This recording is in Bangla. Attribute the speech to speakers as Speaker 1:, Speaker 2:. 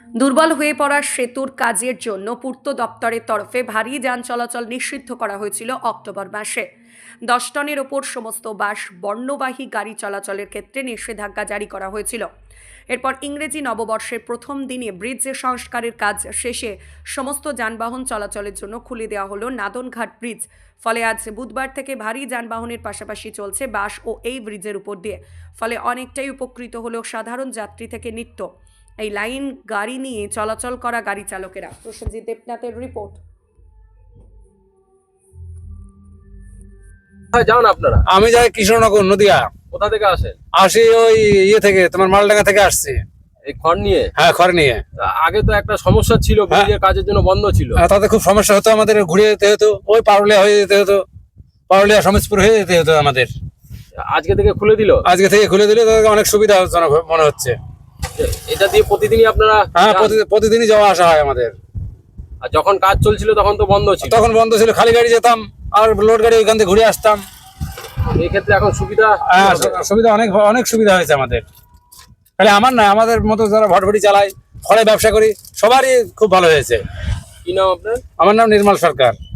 Speaker 1: দুর্বল হয়ে পড়া সেতুর কাজের জন্য পূর্ত দপ্তরের তরফে ভারী যান চলাচল নিষিদ্ধ করা হয়েছিল অক্টোবর মাসে। 10 টনের ওপর সমস্ত বাস বর্ণবাহী গাড়ি চলাচলের ক্ষেত্রে নিষেধাজ্ঞা জারি করা হয়েছিল। এরপর ইংরেজি নববর্ষের প্রথম দিনে ব্রিজ সংস্কারের কাজ শেষে সমস্ত যানবাহন চলাচলের জন্য খুলে দেওয়া হলো নাদনঘাট ব্রিজ। ফলে আজ বুধবার থেকে ভারী যানবাহনের পাশাপাশি চলছে বাস ও এই ব্রিজের উপর দিয়ে। ফলে অনেকটাই উপকৃত হলো সাধারণ যাত্রী থেকে নিত্য এই লাইন গাড়ি নিয়ে চলাচল করা গাড়ি চালকেরা। প্রসেনজিৎ দেবনাথের রিপোর্ট।
Speaker 2: কোথায় যান আপনারা?
Speaker 3: আমি যাই কৃষ্ণনগর নদিয়া।
Speaker 2: কোথা থেকে আসেন?
Speaker 3: আসি ওই থেকে তোমার মালডাঙ্গা থেকে আসছি।
Speaker 2: এই খড় নিয়ে?
Speaker 3: হ্যাঁ, খড় নিয়ে।
Speaker 2: আগে তো একটা সমস্যা ছিল, ব্রিজের কাজের জন্য বন্ধ ছিল।
Speaker 3: তাতে খুব সমস্যা হতো, আমাদের ঘুরে যেতে হতো, ওই পারুলিয়া হয়ে যেতে হতো, পারুলিয়া সমাজপুর হয়ে যেতে হতো আমাদের।
Speaker 2: আজকে থেকে খুলে দিল?
Speaker 3: আজকে থেকে খুলে দিলে তাদেরকে অনেক সুবিধাজনক মনে হচ্ছে।
Speaker 2: এটা দিয়ে প্রতিদিনই আপনারা?
Speaker 3: হ্যাঁ, প্রতিদিনই যাওয়া আসা হয় আমাদের।
Speaker 2: আর যখন কাজ চলছিল তখন তো বন্ধ ছিল?
Speaker 3: তখন বন্ধ ছিল, খালি গাড়ি যেতাম আর লোড গাড়ি ওইখান থেকে ঘুরে আসতাম।
Speaker 2: এই ক্ষেত্রে এখন সুবিধা?
Speaker 3: হ্যাঁ, সুবিধা অনেক সুবিধা হয়েছে আমাদের। তাহলে আমার না, আমাদের মতো যারা ভটভটি চালায়, খড়ে ব্যবসা করি, সবারই খুব ভালো হয়েছে।
Speaker 2: কি নাম আপনার?
Speaker 3: আমার নাম নির্মল সরকার।